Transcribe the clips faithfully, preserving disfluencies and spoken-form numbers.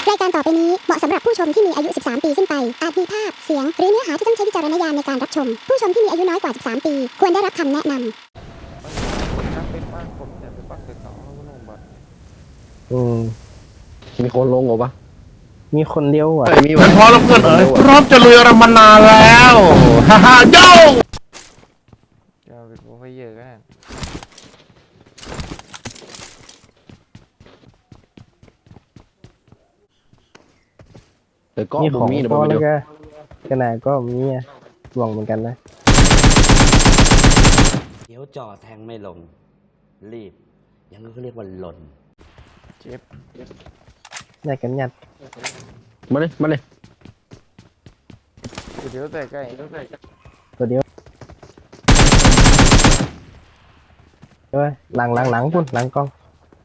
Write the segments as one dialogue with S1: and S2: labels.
S1: รายการต่อไปนี้เหมาะสำหรับผู้ชมที่มีอายุ สิบสาม ปีขึ้นไป อาจมีภาพ เสียง หรือเนื้อหาที่ต้องใช้วิจารณญาณในการรับชม ผู้ชมที่มีอายุน้อยกว่า สิบสาม ปี ควรได้รับคำแนะนำ
S2: เป็นบ้านผมเนี่ยเป็นบ้านเสร็จแล้วก็ลงบัตร
S3: อืมมีคนลงเหรอปะ
S4: มีคนเดียวอ่ะ
S3: มี
S5: มันพอแล้วเพื่อนเอ๋ยพร้อมจะลุยเรามานานแล้วฮ่าฮ่าโย่
S2: จะเป็นโปรไฟเยอร์กัน
S3: แต่ก็
S4: มีของ
S3: มี
S4: พอแล้วก็ขนาดก็มีหวังเหมือนกันนะ
S6: เดี๋ยวจ่อแทงไม่ลงรีบอย่างนี้เขาเรียกว่าหล่น
S2: เจ็บ
S4: ได้กันยัด
S3: มาเลยมาเลย
S2: เดี๋ยวแต่ใกล้
S4: ตัวเดียวเฮ้ยหลังหลังหลังพุ่นหลังกล้อง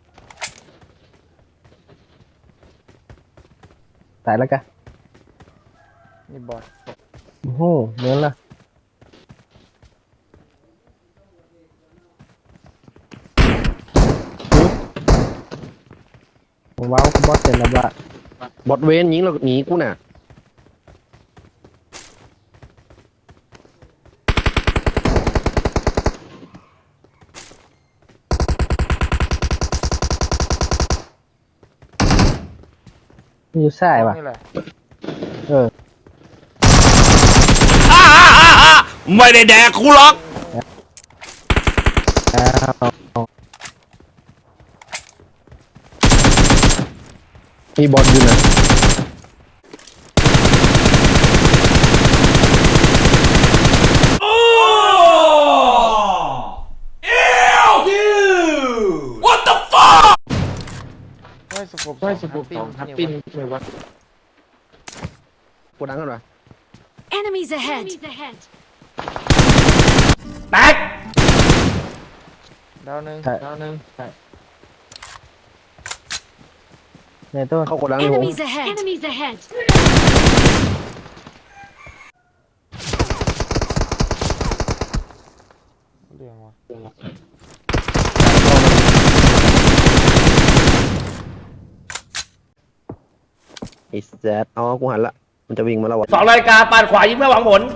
S4: ตายแล้วกัน
S2: นี่บอส
S4: โอ้โหเหมือนละว้าวบอสเสร็จแล้วละ
S3: บอดเวนยิงเราหนีกูน่ะ
S4: อยู่ซ้ายว่ะเออ
S5: ไม่ได้แดกกูหรอก
S4: อ้าว
S3: มีบอดอยู่นะ
S2: ไม่สกุป
S3: ไม่สกุปสองฮัปปี้เลยวะกูดังกันวะ
S7: Enemies ahead
S5: แตก
S2: ดาวหนึ่งดาวหนึ่ง
S4: ในต้น
S3: เข้ากดดังอยู่
S7: Enemies ahead Enemies ahead
S2: เรียงวะ
S3: ไอ้แซดอ๋อกูหันละมันจะวิ่งมาแล้ววะ
S5: สองรายการปาดขวายิงไม่หวังผล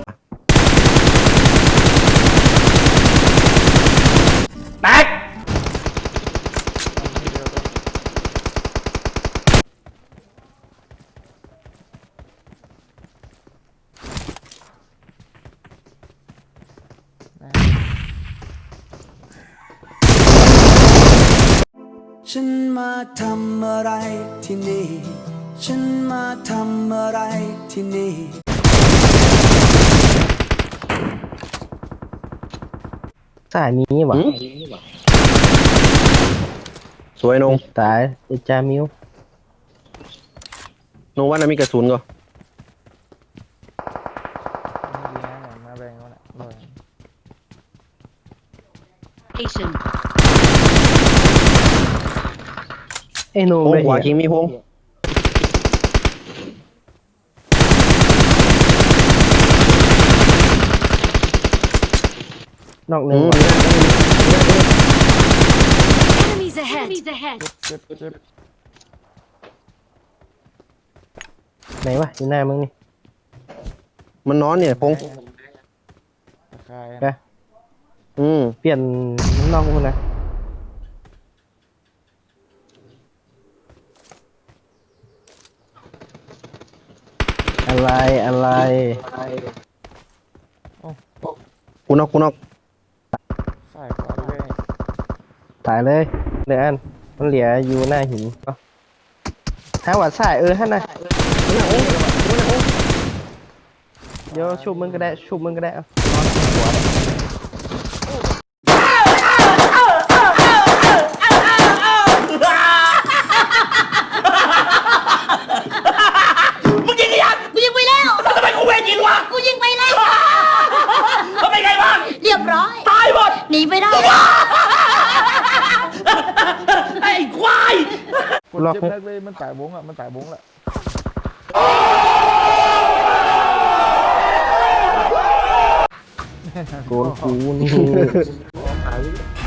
S5: แตก
S8: ฉันมาทำอะไรที่นี่ฉันมาทำอะไรที่นี่
S4: สายนี้ว่ะ
S3: สวยนง
S4: ตายไอ้จามิวน
S3: งว่าน่ะมีกระสุนก็
S2: มาแบ่งกันละหน่อย
S7: Station
S4: ไอ้โน
S3: โอ้
S4: ไม่
S3: ขวา
S4: เห็
S3: คิ
S4: น
S3: งมีพง
S4: นอกหนึ่ง
S7: Enemies ahead Enemies ahead
S2: เจ็บเจ็บ
S4: ไหนวะอยู่หน้ามึงนี่
S3: มันนอนเนี่ยพง
S2: คาย
S3: อืม
S4: เปลี่ยนนอกมึงนะอะไรอะไร
S3: กูนอกกูนอก
S2: ใส่ก่อนเลย
S4: ตายเลยเดี๋ยวอันมันเหลืออยู่หน้าหินถ้าวัดสายเออท่านนะเดี๋ยวชุบมึงก็ได้ชุบมึงก็ได้เอา
S7: มึงยิงยังกูยิงไปแล้วทำไมกูไม่ยิงวะกูยิงไปแล้วเขาเป็นไงบ้างเรียบร้อยตายหมดหนีไปได้ไอ้ควาย
S2: กดเจ็บแรกเลยมันตายบงอ่ะมันตายบงแหละ
S4: โดนกูนี่